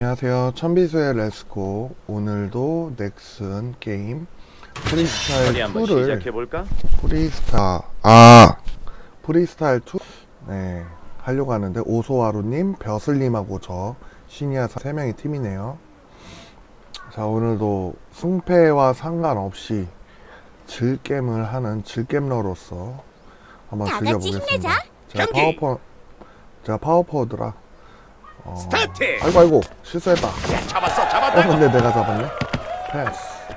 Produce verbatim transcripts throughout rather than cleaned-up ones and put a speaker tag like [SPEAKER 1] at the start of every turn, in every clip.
[SPEAKER 1] 안녕하세요. 천비수의 레스코. 오늘도 넥슨 게임 프리스타일
[SPEAKER 2] 한번
[SPEAKER 1] 이를
[SPEAKER 2] 시작해볼까?
[SPEAKER 1] 프리스타 아 프리스타일 이 네 하려고 하는데, 오소하루님, 벼슬님하고 저 시니아 세 명의 팀이네요. 자, 오늘도 승패와 상관없이 질겜을 하는 질겜러로서 한번 즐겨보겠습니다. 제가
[SPEAKER 2] 경기!
[SPEAKER 1] 파워퍼 제가 파워퍼드라. 어...
[SPEAKER 2] 스타트!
[SPEAKER 1] 아이고 아이고 실수했다.
[SPEAKER 2] 야, 잡았어,
[SPEAKER 1] 어,
[SPEAKER 2] 잡았다.
[SPEAKER 1] 근데 내가 잡았네. 패스.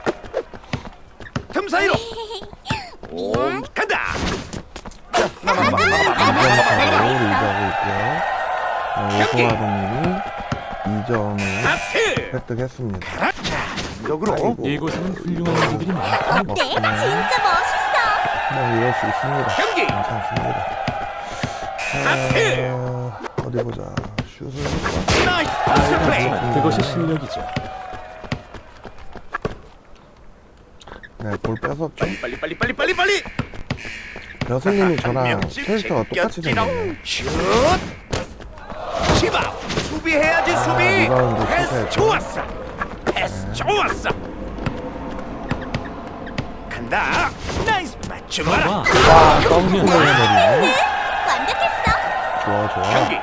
[SPEAKER 2] 틈 사이로. 오, 간다.
[SPEAKER 1] 이점차로 리드하고 있고요. 어, 오소하루님이 이 점을
[SPEAKER 2] 하트.
[SPEAKER 1] 획득했습니다.
[SPEAKER 2] 역으로.
[SPEAKER 1] 아이고.
[SPEAKER 3] 이곳은 훌륭한 분들이 많다.
[SPEAKER 1] 네,
[SPEAKER 4] 진짜 멋있어.
[SPEAKER 1] 뭐 이럴 수 있습니다.
[SPEAKER 2] 경기.
[SPEAKER 1] 괜찮습니다.
[SPEAKER 2] 하트.
[SPEAKER 1] 자, 어디 보자. 슛을
[SPEAKER 2] 나이스 패스 플레이.
[SPEAKER 3] 하지만 그것이 실력이죠.
[SPEAKER 1] 네, 볼 뺏었죠.
[SPEAKER 2] 빨리 빨리 빨리 빨리 빨리.
[SPEAKER 1] 여선님이 저랑
[SPEAKER 2] 명씩
[SPEAKER 1] 캐릭터가 똑같이
[SPEAKER 2] 제껴지롱.
[SPEAKER 1] 생겼네.
[SPEAKER 2] 슛. 치바. 수비해야지 수비.
[SPEAKER 1] 리바운드
[SPEAKER 2] 패스
[SPEAKER 1] 실패했죠.
[SPEAKER 2] 좋았어. 패스 좋았어. 간다. 나이스 맞춤
[SPEAKER 3] 와,
[SPEAKER 2] 봐라.
[SPEAKER 1] 와, 덩크를 해버리네.
[SPEAKER 4] 완벽했어.
[SPEAKER 1] 좋아, 좋아.
[SPEAKER 2] 경기.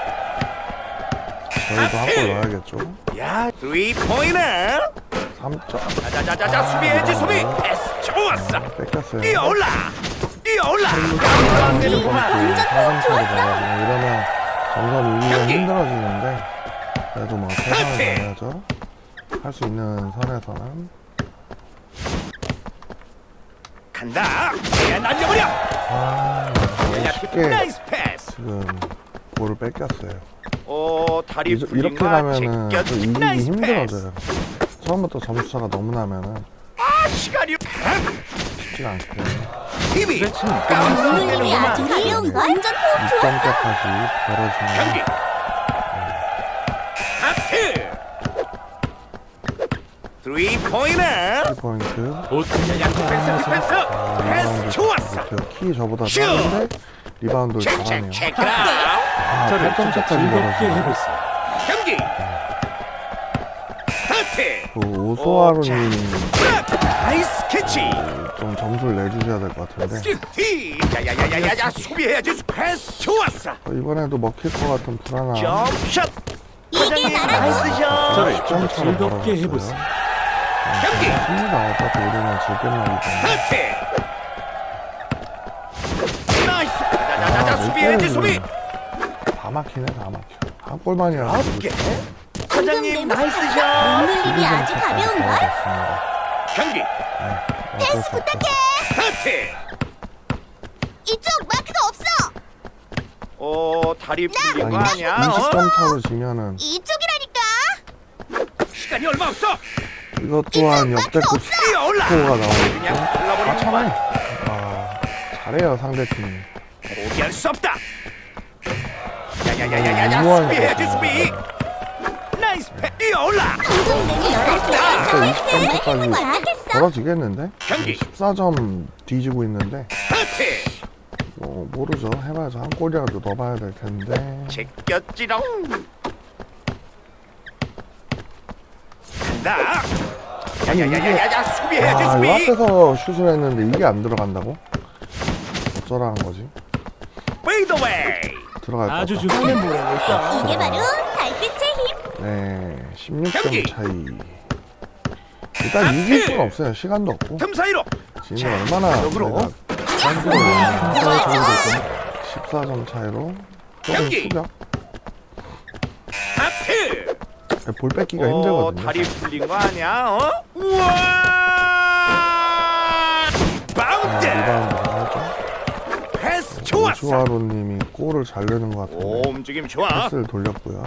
[SPEAKER 1] 저희도 한 골 넣어야겠죠.
[SPEAKER 2] 야, 쓰리 포인트.
[SPEAKER 1] 삼 점.
[SPEAKER 2] 자자자자자 수비해야지 수비. 패스 좋았어.
[SPEAKER 1] 뺏겼어요.
[SPEAKER 2] 뛰어올라. 뛰어올라.
[SPEAKER 1] 완전
[SPEAKER 2] 되는구만.
[SPEAKER 1] 사점 차로 가가지고 이러면 점점 이기기가
[SPEAKER 2] 경기.
[SPEAKER 1] 힘들어지는데, 그래도 뭐 최선을 다해야죠. 할 수 있는 선에서는.
[SPEAKER 2] 간다. 야, 날려버려.
[SPEAKER 1] 아, 너무
[SPEAKER 2] 야,
[SPEAKER 1] 쉽게
[SPEAKER 2] 나이스 패스.
[SPEAKER 1] 지금 볼을 뺏겼어요.
[SPEAKER 2] 오, 다리
[SPEAKER 1] 이,
[SPEAKER 2] 풀린
[SPEAKER 1] 이렇게
[SPEAKER 2] 거
[SPEAKER 1] 가면은 또
[SPEAKER 2] 제껴.
[SPEAKER 1] 이기기
[SPEAKER 2] 나이스 패스.
[SPEAKER 1] 힘들어져요. 처음부터 점수차가 너무 나면은
[SPEAKER 2] 아, 시간이.
[SPEAKER 1] 쉽지가 않거든요.
[SPEAKER 2] 힘이.
[SPEAKER 4] 오늘님이 아주 가벼운 걸. 완전 호흡
[SPEAKER 1] 이
[SPEAKER 4] 좋아.
[SPEAKER 1] 점까지
[SPEAKER 2] 경기.
[SPEAKER 1] 벌어지면
[SPEAKER 2] 하트. 쓰리 포인트.
[SPEAKER 1] 삼 포인트.
[SPEAKER 3] 보통
[SPEAKER 2] 야, 디펜스 디펜스.
[SPEAKER 1] 아,
[SPEAKER 2] 패스
[SPEAKER 1] 리바운드
[SPEAKER 2] 좋았어.
[SPEAKER 1] 좋고요. 키 저보다
[SPEAKER 2] 슛!
[SPEAKER 1] 작은데 리바운드를 잘하네요.
[SPEAKER 2] 체크 체크 아웃.
[SPEAKER 1] 아,
[SPEAKER 3] 저를
[SPEAKER 1] 팔 점
[SPEAKER 3] 진짜
[SPEAKER 1] 차까지
[SPEAKER 3] 즐겁게
[SPEAKER 1] 벌어지네.
[SPEAKER 3] 해보세요.
[SPEAKER 2] 경기. 스타트.
[SPEAKER 1] 그 오소하루님
[SPEAKER 2] 나이스 캐치.
[SPEAKER 1] 좀 점수를 내주셔야 될 것 같은데,
[SPEAKER 2] 스티. 야야야야야야 수비해야지. 패스 좋았어.
[SPEAKER 1] 어, 이번에도 먹힐 것 같은 불안함.
[SPEAKER 2] 점샷.
[SPEAKER 4] 이게
[SPEAKER 2] 과장님
[SPEAKER 4] 나라고.
[SPEAKER 2] 나이스 샷.
[SPEAKER 3] 저를
[SPEAKER 1] 십
[SPEAKER 3] 좀
[SPEAKER 1] 점
[SPEAKER 3] 더
[SPEAKER 1] 차로
[SPEAKER 3] 즐겁게
[SPEAKER 1] 벌어졌어요.
[SPEAKER 3] 해보세요.
[SPEAKER 2] 경기.
[SPEAKER 1] 힘니다. 어차피 우리는 질겜력이잖아.
[SPEAKER 2] 스타트. 나이스. 자자자자
[SPEAKER 1] 아,
[SPEAKER 2] 수비해야지
[SPEAKER 1] 몇
[SPEAKER 2] 수비.
[SPEAKER 1] 개를 다 막히네, 다 막혀. 한 골만이라도
[SPEAKER 2] 아홉 개. 과장님 나이스 샷.
[SPEAKER 4] 오늘님이 아주 가벼운 걸.
[SPEAKER 2] 경기.
[SPEAKER 1] 패스 부탁해.
[SPEAKER 2] 스타트.
[SPEAKER 4] 이쪽 마크가 없어.
[SPEAKER 2] 오, 다리 풀린 거
[SPEAKER 1] 아니,
[SPEAKER 2] 아니야?
[SPEAKER 1] 이십 점
[SPEAKER 2] 어?
[SPEAKER 1] 차로 지면은
[SPEAKER 4] 이쪽이라니까.
[SPEAKER 2] 시간이 얼마 없어.
[SPEAKER 1] 이것 또한 역대급
[SPEAKER 2] 뛰어올라.
[SPEAKER 1] 스코어가
[SPEAKER 2] 그냥
[SPEAKER 1] 나오겠죠. 아,
[SPEAKER 2] 발라버리는
[SPEAKER 1] 참아요.
[SPEAKER 2] 거야.
[SPEAKER 1] 아, 잘해요, 상대팀이.
[SPEAKER 2] 포기할 수 없다. 야야야야야야
[SPEAKER 1] 우아한
[SPEAKER 2] 수비해야지
[SPEAKER 1] 거.
[SPEAKER 2] 수비. 나이스 패. 뛰어올라.
[SPEAKER 4] 방금 내기 열할
[SPEAKER 1] 진짜 이십 점
[SPEAKER 4] 때
[SPEAKER 1] 차까지
[SPEAKER 4] 완벽했어.
[SPEAKER 1] 벌어지겠는데?
[SPEAKER 2] 경기.
[SPEAKER 1] 십사 점 뒤지고 있는데,
[SPEAKER 2] 스타트.
[SPEAKER 1] 뭐 모르죠. 해봐야죠. 한 골이라도 넣어봐야 될 텐데.
[SPEAKER 2] 제꼈지롱. 간다.
[SPEAKER 1] 아니, 이게
[SPEAKER 2] 야야야야야 수비해야지
[SPEAKER 1] 아, 요
[SPEAKER 2] 수비.
[SPEAKER 1] 앞에서 슛을 했는데 이게 안 들어간다고? 어쩌라는 거지?
[SPEAKER 2] 페이드웨이.
[SPEAKER 1] 들어갈 것
[SPEAKER 3] 아주
[SPEAKER 1] 같다.
[SPEAKER 3] 좋습니다.
[SPEAKER 4] 이게 바로 달빛의 힘.
[SPEAKER 1] 네, 십육 점
[SPEAKER 2] 경기.
[SPEAKER 1] 차이. 일단 이길 수가 없어요. 시간도 없고.
[SPEAKER 2] 틈 사이로.
[SPEAKER 1] 지금 얼마나
[SPEAKER 2] 역으로.
[SPEAKER 4] 좋아 좋아.
[SPEAKER 1] 십사 점 차이로 조금
[SPEAKER 2] 경기.
[SPEAKER 1] 수격.
[SPEAKER 2] 하트.
[SPEAKER 1] 볼 뺏기가
[SPEAKER 2] 어,
[SPEAKER 1] 힘들거든요.
[SPEAKER 2] 다리 풀린 거 아니야? 어? 우와!
[SPEAKER 1] 아,
[SPEAKER 2] 바운드.
[SPEAKER 1] 리바운드 하죠.
[SPEAKER 2] 패스 좋았어.
[SPEAKER 1] 오수아로님이 골을 잘 내는 것 같은데
[SPEAKER 2] 오, 움직임 좋아.
[SPEAKER 1] 패스를 돌렸고요.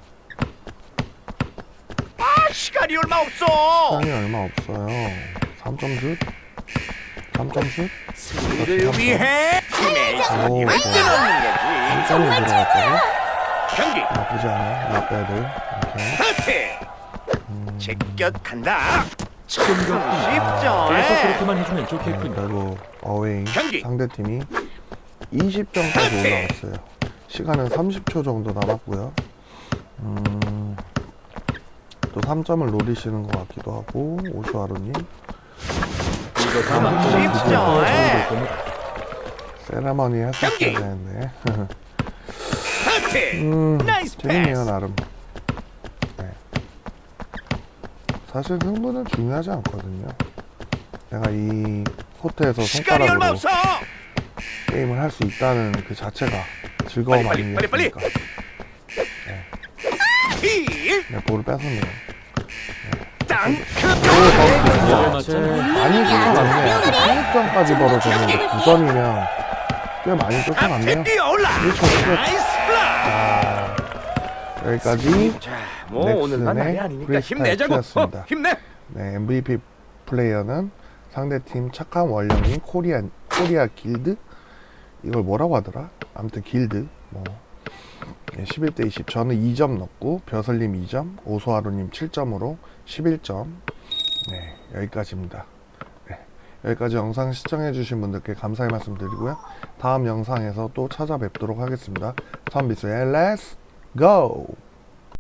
[SPEAKER 2] 아, 시간이 얼마 없어.
[SPEAKER 1] 시간이 얼마 없어요. 삼 점 슛? 삼 점 슛?
[SPEAKER 2] 승리를 위해 팀의
[SPEAKER 1] 오,
[SPEAKER 2] 승리를
[SPEAKER 1] 좋아.
[SPEAKER 2] 끊어놓는 거지.
[SPEAKER 1] 삼 점이 들어갔다고?
[SPEAKER 2] 경기.
[SPEAKER 1] 나쁘지 않아. 나빼들. 오케이.
[SPEAKER 2] 스타트. 제껴 간다. 참
[SPEAKER 3] 그래서
[SPEAKER 2] 쉽죠.
[SPEAKER 3] 그렇게만 해주면
[SPEAKER 1] 네,
[SPEAKER 3] 좋겠군요.
[SPEAKER 1] 그리고 어웨이
[SPEAKER 2] 경기.
[SPEAKER 1] 상대팀이 이십 점까지 올라왔어요. 시간은 삼십 초 정도 남았고요. 음, 또 삼 점을 노리시는 것 같기도 하고 오수아루님
[SPEAKER 3] 이거 다음
[SPEAKER 2] 쉽죠,
[SPEAKER 3] 드디어
[SPEAKER 2] 에?
[SPEAKER 3] 정리될 겁니다.
[SPEAKER 1] 세레머니 했었어야
[SPEAKER 2] 경기!
[SPEAKER 1] 되는데
[SPEAKER 2] 스타트.
[SPEAKER 1] 음
[SPEAKER 2] 나이스
[SPEAKER 1] 재밌네요
[SPEAKER 2] 패스.
[SPEAKER 1] 나름. 네. 사실 승부는 중요하지 않거든요. 내가 이 코트에서
[SPEAKER 2] 시간이 얼마
[SPEAKER 1] 손가락으로
[SPEAKER 2] 없어.
[SPEAKER 1] 게임을 할 수 있다는 그 자체가 즐거움
[SPEAKER 2] 빨리, 빨리, 빨리,
[SPEAKER 1] 아니겠습니까?
[SPEAKER 2] 힐.
[SPEAKER 1] 네, 볼을 뺏었네요.
[SPEAKER 2] 땅크.
[SPEAKER 3] 열 맞죠?
[SPEAKER 1] 많이 쫓아갔네요. 십육 점까지 벌어졌는데 구 점이면 꽤 많이 쫓아갔네요.
[SPEAKER 2] 앞에 뛰어올라.
[SPEAKER 1] 일 초 끝.
[SPEAKER 2] 나이스 블락.
[SPEAKER 1] 아, 여기까지
[SPEAKER 2] 자, 뭐 오늘만 날이 아니니까
[SPEAKER 1] 브레이크
[SPEAKER 2] 힘내자고.
[SPEAKER 1] 타임이었습니다.
[SPEAKER 2] 어, 힘내.
[SPEAKER 1] 네, 엠브이피 플레이어는 상대팀 착한 원령인 코리아 코리아 길드 이걸 뭐라고 하더라? 아무튼 길드 뭐 네, 십일 대 이십. 저는 이 점 넣고 벼슬님 이 점, 오소하루님 칠 점으로 십일 점. 네, 여기까지입니다. 네, 여기까지 영상 시청해주신 분들께 감사의 말씀 드리고요. 다음 영상에서 또 찾아뵙도록 하겠습니다. 선비스의 Let's Go!